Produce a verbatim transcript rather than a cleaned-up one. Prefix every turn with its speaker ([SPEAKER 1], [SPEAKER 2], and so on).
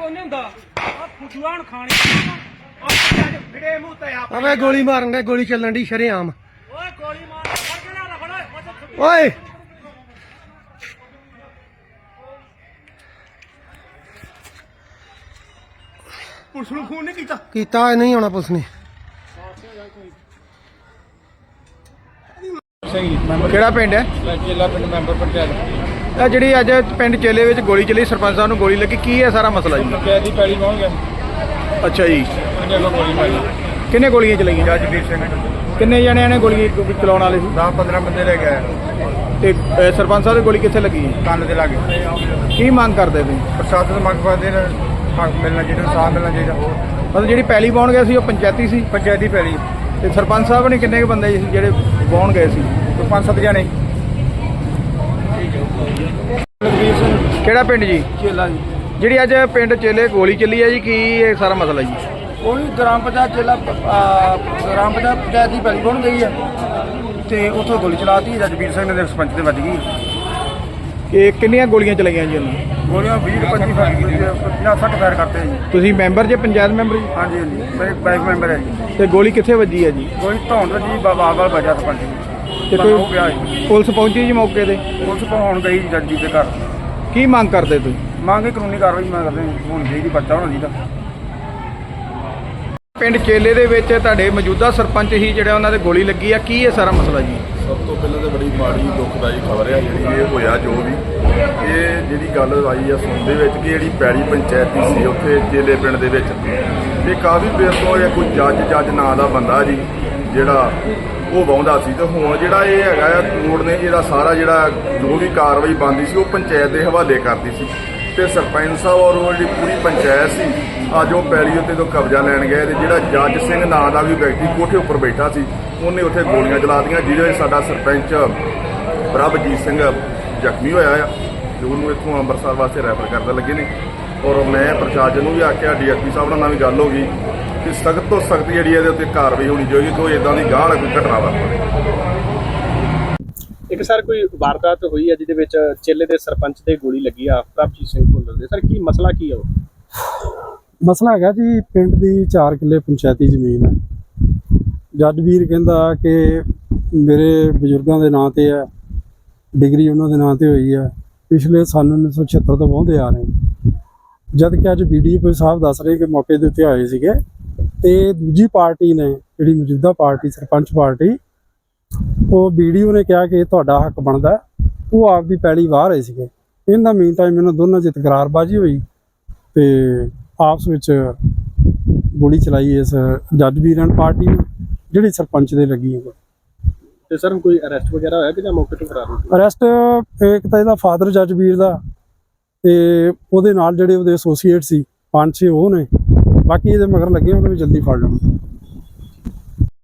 [SPEAKER 1] अबे गोली मारन दे, गोली चलन दी शरेआम। ओए
[SPEAKER 2] पुलिस नूं फोन नहीं कीता?
[SPEAKER 1] कीता नहीं होना पुलिस ने।
[SPEAKER 3] ਕਿਹੜਾ ਪਿੰਡ ਹੈ?
[SPEAKER 2] ਚੇਲਾ ਪਿੰਡ ਮੈਂਬਰ ਪੰਚਾਇਤ।
[SPEAKER 3] ਇਹ ਜਿਹੜੀ ਅੱਜ ਪਿੰਡ ਚੇਲੇ ਵਿੱਚ ਗੋਲੀ ਚੱਲੀ, ਸਰਪੰਚ ਸਾਹਿਬ ਨੂੰ ਗੋਲੀ ਲੱਗੀ, ਕੀ ਹੈ ਸਾਰਾ ਮਸਲਾ ਜੀ?
[SPEAKER 2] ਪੰਚਾਇਤ ਦੀ ਪੈਲੀ ਪਹੁੰਚ ਗਿਆ।
[SPEAKER 3] ਅੱਛਾ ਜੀ,
[SPEAKER 2] ਉਹਨੇ ਅੱਗੋਂ ਗੋਲੀ ਮਾਰੀ।
[SPEAKER 3] ਕਿੰਨੇ ਗੋਲੀਆਂ ਚਲਾਈਆਂ?
[SPEAKER 2] ਜੱਜਵੀਰ ਸਿੰਘ।
[SPEAKER 3] ਕਿੰਨੇ ਜਣਿਆਂ ਨੇ ਗੋਲੀ ਚਲਾਉਣ ਵਾਲੇ ਸੀ?
[SPEAKER 2] ਦਸ ਪੰਦਰਾਂ ਬੰਦੇ ਲੈ ਗਏ।
[SPEAKER 3] ਤੇ ਅ, ਸਰਪੰਚ ਸਾਹਿਬ ਦੀ ਗੋਲੀ ਕਿੱਥੇ ਲੱਗੀ?
[SPEAKER 2] ਕੰਨ ਦੇ ਲਾਗੇ।
[SPEAKER 3] ਕੀ ਮੰਗ ਕਰਦੇ ਤੁਸੀਂ?
[SPEAKER 2] ਪ੍ਰਸ਼ਾਸਨ ਤੋਂ ਮੰਗ ਕਰਦੇ ਨੇ ਹੱਕ ਮਿਲਣਾ ਚਾਹੀਦਾ, ਇਨਸਾਫ ਮਿਲਣਾ ਚਾਹੀਦਾ।
[SPEAKER 3] ਮਤਲਬ ਜਿਹੜੀ ਪੈਲੀ ਪਾਉਣ ਗਏ ਸੀ ਉਹ ਪੰਚਾਇਤੀ ਸੀ?
[SPEAKER 2] ਪੰਚਾਇਤੀ ਪੈਲੀ।
[SPEAKER 3] ਤੇ ਸਰਪੰਚ ਸਾਹਿਬ ਨੇ ਕਿੰਨੇ ਕੁ ਬੰਦੇ ਸੀ ਜਿਹੜੇ ਪਾਉਣ ਗਏ ਸੀ?
[SPEAKER 2] ਪੰਜ ਸੱਤ ਜਣੇ।
[SPEAKER 3] ਕਿਹੜਾ ਪਿੰਡ ਜੀ?
[SPEAKER 2] ਚੇਲਾ ਜੀ।
[SPEAKER 3] ਜਿਹੜੀ ਅੱਜ ਪਿੰਡ ਚੇਲੇ ਗੋਲੀ ਚੱਲੀ ਹੈ ਜੀ, ਕੀ ਇਹ ਸਾਰਾ ਮਸਲਾ ਜੀ?
[SPEAKER 2] ਉਹੀ ਗ੍ਰਾਮ ਪੰਚਾਇਤ ਚੇਲਾ ਗ੍ਰਾਮ ਪੰਚਾਇਤ ਪੰਚਾਇਤ ਦੀ ਪੈਲੀ ਪਹੁੰਚ ਗਈ ਹੈ ਤੇ ਉੱਥੋਂ ਗੋਲੀ ਚਲਾਤੀ। ਜੱਜਵੀਰ ਸਿੰਘ ਦੇ ਸਰਪੰਚ ਦੇ ਵੱਜ ਗਈ।
[SPEAKER 3] ਕਿ ਕਿੰਨੀਆਂ ਗੋਲੀਆਂ ਚਲਾਈਆਂ ਜੀ ਉਹਨੂੰ?
[SPEAKER 2] ਗੋਲੀਆਂ ਵੀਹ ਪੱਚੀ ਪੰਜਾਹ ਸੱਠ ਫਾਇਰ ਕਰਤੇ ਜੀ।
[SPEAKER 3] ਤੁਸੀਂ ਮੈਂਬਰ ਜੇ ਪੰਚਾਇਤ ਮੈਂਬਰ ਜੀ?
[SPEAKER 2] ਹਾਂਜੀ ਹਾਂਜੀ, ਮੈਂ ਬਾਈਕ ਮੈਂਬਰ ਹੈ ਜੀ।
[SPEAKER 3] ਤੇ ਗੋਲੀ ਕਿੱਥੇ ਵੱਜੀ ਹੈ ਜੀ?
[SPEAKER 2] ਕੋਈ ਧੌਣ ਜੀ ਬਾਬਾ ਵਾਲ ਵਜਾ ਸਰਪੰਚ ਜੀ।
[SPEAKER 3] ਤੇ
[SPEAKER 2] ਹੋ
[SPEAKER 3] ਕੋਈ
[SPEAKER 2] ਗਿਆ ਜੀ।
[SPEAKER 3] ਪੁਲਿਸ ਪਹੁੰਚੀ ਜੀ ਮੌਕੇ ਤੇ?
[SPEAKER 2] ਪੁਲਿਸ ਪਹੁੰਚ ਗਈ ਜੱਜ ਜੀ ਦੇ ਘਰ।
[SPEAKER 3] ਕੀ ਮੰਗ ਕਰਦੇ ਤੁਸੀਂ?
[SPEAKER 2] ਮੰਗੇ ਕਾਨੂੰਨੀ ਕਾਰਵਾਈ ਮੈਂ ਕਰਦੇ ਹੋਣੀ ਚਾਹੀਦੀ, ਪਰਚਾ ਹੋਣਾ ਚਾਹੀਦਾ।
[SPEAKER 3] ਪਿੰਡ ਚੇਲੇ ਦੇ ਵਿੱਚ ਤੁਹਾਡੇ ਮੌਜੂਦਾ ਸਰਪੰਚ ਹੀ ਜਿਹੜਾ ਉਹਨਾਂ ਦੇ ਗੋਲੀ ਲੱਗੀ ਆ, ਕੀ ਇਹ ਸਾਰਾ ਮਸਲਾ ਜੀ?
[SPEAKER 4] ਸਭ ਤੋਂ ਪਹਿਲਾਂ ਤਾਂ ਬੜੀ ਮਾੜੀ ਦੁਖਦਾਈ ਖਬਰ ਹੈ ਜਿਹੜੀ ਇਹ ਹੋਇਆ। ਜੋ ਵੀ ਇਹ ਜਿਹੜੀ ਗੱਲ ਆਈ ਆ ਸੁਣ ਦੇ ਵਿੱਚ ਕਿ ਜਿਹੜੀ ਪੈਲੀ ਪੰਚਾਇਤੀ ਸੀ ਉੱਥੇ ਚੇਲੇ ਪਿੰਡ ਦੇ ਵਿੱਚ, ਇਹ ਕਾਫੀ ਦੇਰ ਤੋਂ ਇਹ ਕੋਈ ਜੱਜ ਜੱਜ ਨਾਂ ਦਾ ਬੰਦਾ ਜੀ ਜਿਹੜਾ ਉਹ ਵਾਹੁੰਦਾ ਸੀ। ਤੇ ਹੁਣ ਜਿਹੜਾ ਇਹ ਹੈਗਾ ਆ ਕੋਰਟ ਨੇ ਇਹਦਾ ਸਾਰਾ ਜਿਹੜਾ ਜੋ ਵੀ ਕਾਰਵਾਈ ਬਣਦੀ ਸੀ ਉਹ ਪੰਚਾਇਤ ਦੇ ਹਵਾਲੇ ਕਰਦੀ ਸੀ। ਤੇ ਸਰਪੰਚ ਸਾਹਿਬ ਔਰ ਉਹ ਜਿਹੜੀ ਪੂਰੀ ਪੰਚਾਇਤ ਸੀ ਅੱਜ ਉਹ ਪੈਲੀ ਉੱਤੇ ਤੋਂ ਕਬਜ਼ਾ ਲੈਣ ਗਏ। ਤੇ ਜਿਹੜਾ ਜੱਜ ਸਿੰਘ ਨਾਂ ਦਾ ਵੀ ਵਿਅਕਤੀ ਕੋਠੇ ਉੱਪਰ ਬੈਠਾ ਸੀ ਉਹਨੇ ਉੱਥੇ ਗੋਲੀਆਂ ਚਲਾ ਦਿੱਤੀਆਂ, ਜਿਹਦੇ ਵਿੱਚ ਸਾਡਾ ਸਰਪੰਚ ਪ੍ਰਭਜੀਤ ਸਿੰਘ ਜ਼ਖਮੀ ਹੋਇਆ ਆ ਤੇ ਉਹਨੂੰ ਇੱਥੋਂ ਅੰਮ੍ਰਿਤਸਰ ਵਾਸਤੇ ਰੈਫਰ ਕਰਦੇ ਲੱਗੇ ਨੇ। ਔਰ ਮੈਂ ਪ੍ਰਸ਼ਾਸਨ ਨੂੰ ਵੀ ਆਖਿਆ, ਡੀ ਐਸ ਪੀ ਸਾਹਿਬ ਨਾਲ ਵੀ ਗੱਲ ਹੋ ਗਈ ਕਿ ਸਖਤ ਤੋਂ ਸਖਤ ਜਿਹੜੀ ਇਹਦੇ ਉੱਤੇ ਕਾਰਵਾਈ ਹੋਣੀ ਚਾਹੀਦੀ, ਕੋਈ ਇੱਦਾਂ ਦੀ ਗਾਹ ਵਾਲੀ ਕੋਈ ਘਟਨਾ ਵਾਪਰੇ।
[SPEAKER 5] ਇੱਕ ਸਰ ਕੋਈ ਵਾਰਦਾਤ ਹੋਈ ਹੈ ਜਿਹਦੇ ਵਿੱਚ ਚੇਲੇ ਦੇ ਸਰਪੰਚ ਤੇ ਗੋਲੀ ਲੱਗੀ ਆ, ਪ੍ਰਭਜੀਤ ਸਿੰਘ ਭੁੱਲਰ ਦੇ। ਸਰ ਕੀ ਮਸਲਾ ਕੀ ਹੈ ਉਹ?
[SPEAKER 6] ਮਸਲਾ ਹੈਗਾ ਜੀ, ਪਿੰਡ ਦੀ ਚਾਰ ਕਿੱਲੇ ਪੰਚਾਇਤੀ ਜ਼ਮੀਨ ਹੈ। ਜੱਜਵੀਰ ਕਹਿੰਦਾ ਕਿ ਮੇਰੇ ਬਜ਼ੁਰਗਾਂ ਦੇ ਨਾਂ ਤੇ ਹੈ, ਡਿਗਰੀ ਉਹਨਾਂ ਦੇ ਨਾਂ ਤੇ ਹੋਈ ਹੈ, ਪਿਛਲੇ ਸਾਲ ਉੱਨੀ ਸੌ ਛਿਹੱਤਰ ਤੋਂ ਵਾਹੁੰਦੇ ਆ ਰਹੇ। ਜਦ ਕਿ ਅੱਜ ਬੀ ਡੀ ਓ ਸਾਹਿਬ ਦੱਸ ਰਹੇ ਕਿ ਮੌਕੇ ਦੇ ਉੱਤੇ ਆਏ ਸੀਗੇ ਤੇ ਦੂਜੀ ਪਾਰਟੀ ਨੇ, ਜਿਹੜੀ ਮੌਜੂਦਾ ਪਾਰਟੀ ਸਰਪੰਚ ਪਾਰਟੀ, ਉਹ ਬੀ ਡੀ ਓ ਨੇ ਕਿਹਾ ਕਿ ਤੁਹਾਡਾ ਹੱਕ ਬਣਦਾ, ਉਹ ਆਪਦੀ ਪੈਲੀ ਵਾਹ ਰਹੇ ਸੀਗੇ। ਇਹਨਾਂ ਮੀਨ ਟਾਈਮ ਇਹਨਾਂ ਦੋਨਾਂ 'ਚ ਤਕਰਾਰਬਾਜ਼ੀ ਹੋਈ ਤੇ ਆਪਸ ਵਿੱਚ ਗੋਲੀ ਚਲਾਈ ਇਸ ਜੱਜਵੀਰਾਂ ਪਾਰਟੀ ਨੂੰ, ਜਿਹੜੀ ਸਰਪੰਚ ਦੇ ਲੱਗੀ ਹੈ।
[SPEAKER 5] ਤੇ ਸਰ ਕੋਈ ਅਰੈਸਟ ਵਗੈਰਾ ਹੋਇਆ ਕਿ ਜਾਂ ਮੌਕੇ ਤੋਂ ਫਰਾਰ ਹੋ ਗਏ?
[SPEAKER 6] ਅਰੈਸਟ ਇੱਕ ਤਾਂ ਇਹਦਾ ਫਾਦਰ ਜੱਜਵੀਰ ਦਾ ਤੇ ਉਹਦੇ ਨਾਲ ਜਿਹੜੇ ਉਹਦੇ ਐਸੋਸੀਏਟ ਸੀ ਪੰਜ ਛੇ ਉਹ ਨੇ, ਬਾਕੀ ਇਹਦੇ ਮਗਰ ਲੱਗੇ ਉਹਨੂੰ ਵੀ ਜਲਦੀ ਫੜ ਲੈਣ।